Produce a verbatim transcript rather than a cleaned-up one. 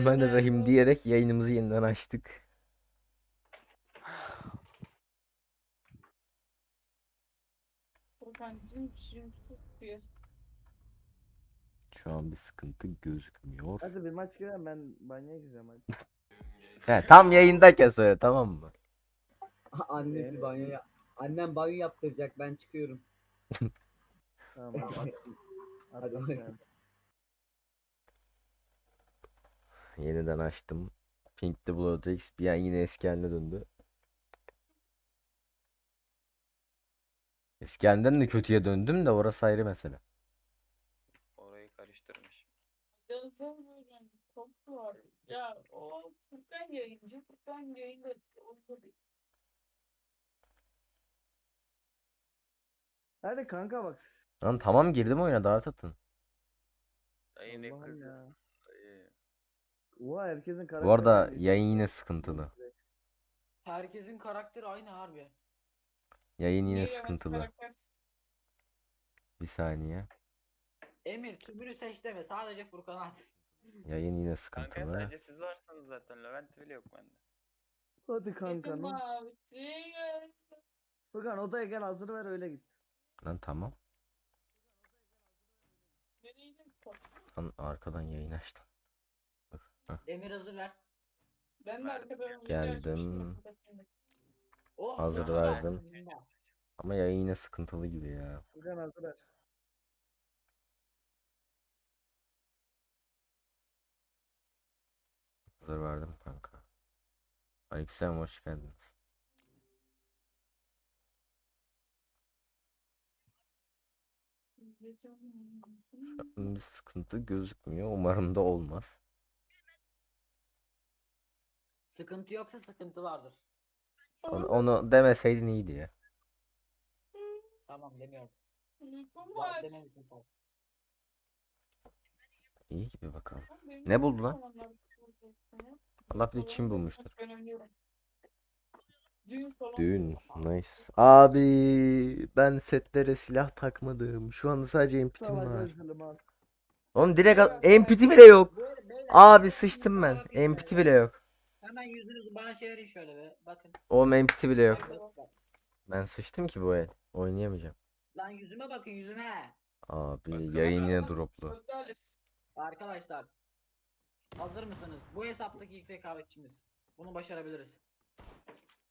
Bismillahirrahmanirrahim diyerek yayınımızı yeniden açtık. Furkancığım şimdi sus bir. Şu an bir sıkıntı gözükmüyor. Hadi bir maç girelim, ben banyoya gireceğim hadi. He, tam yayındayken söyle, tamam mı? Annesi banyo ya. Annem banyo yaptıracak, ben çıkıyorum. Tamam hadi. Hadi Atla bakalım. sen. Yeniden açtım. Pink the Bloodrix bir an yine eski haline döndü. Eski halinden de kötüye döndüm de orası ayrı mesele. Orayı karıştırmış. Yazamıyorum. Çok var. Ya o Furkan yayıncı. Furkan yayında onda değil. Hadi kanka bak. Lan tamam, girdim oyuna, dart atın. Dayı ne Allah'ım ya. kızıyorsun? Dayı. Oha herkesin karakteri Bu arada aynı. yayın yine sıkıntılı. Herkesin karakteri aynı harbi. Yayın yine Niye sıkıntılı. karaktersiz? Bir saniye. Emir tümünü seç deme, sadece Furkan'a at. Yayın yine Kanka sıkıntılı. sadece siz varsınız zaten. Levent bile yok bende. Hadi kanka. Dedim ne- abisi geldi. Furkan odaya gel, hazır ver öyle git. Lan tamam. Nereydim çok. Lan arkadan yayın açtım. Dur. Heh. Emir hazır ver. Ben de Verdim. arkadan video Geldim. açmıştım. Oh, Hazır Furkan verdim. versin. Ama yayın yine sıkıntılı gibi ya. Furkan hazır ver. Hazır verdim kanka. Aleykümselam, hoş geldiniz. Şu an bir sıkıntı gözükmüyor. Umarım da olmaz. Sıkıntı yoksa sıkıntı vardır. Onu, onu demeseydin iyiydi ya. Tamam demiyorum. Uykum Var var. dememişsin sen. İyi gibi bakalım. Benim Ne buldu lan? zamanlar kızım ya. Allah bilir Salonda Çin bulmuştur. ben oynuyorum. Düğün salonu. Düğün. Nice. Abi ben setlere silah takmadım. Şu anda sadece empitim Salak var. özledim al. Oğlum direkt Evet, empiti bile yok. Böyle, beyler, Abi hemen sıçtım yüzüme ben. bakın Empiti şöyle. bile yok. Hemen yüzünüzü bana çevirin şöyle be. Bakın. Oğlum empiti bile yok. Bak, bak. Ben sıçtım ki bu el. Oynayamayacağım. Lan yüzüme bakın, yüzüme. Abi Bakalım. yayın yine droplu. Gonzales. Arkadaşlar. Hazır mısınız? Bu hesaptaki ilk rekabetçimiz. Bunu başarabiliriz.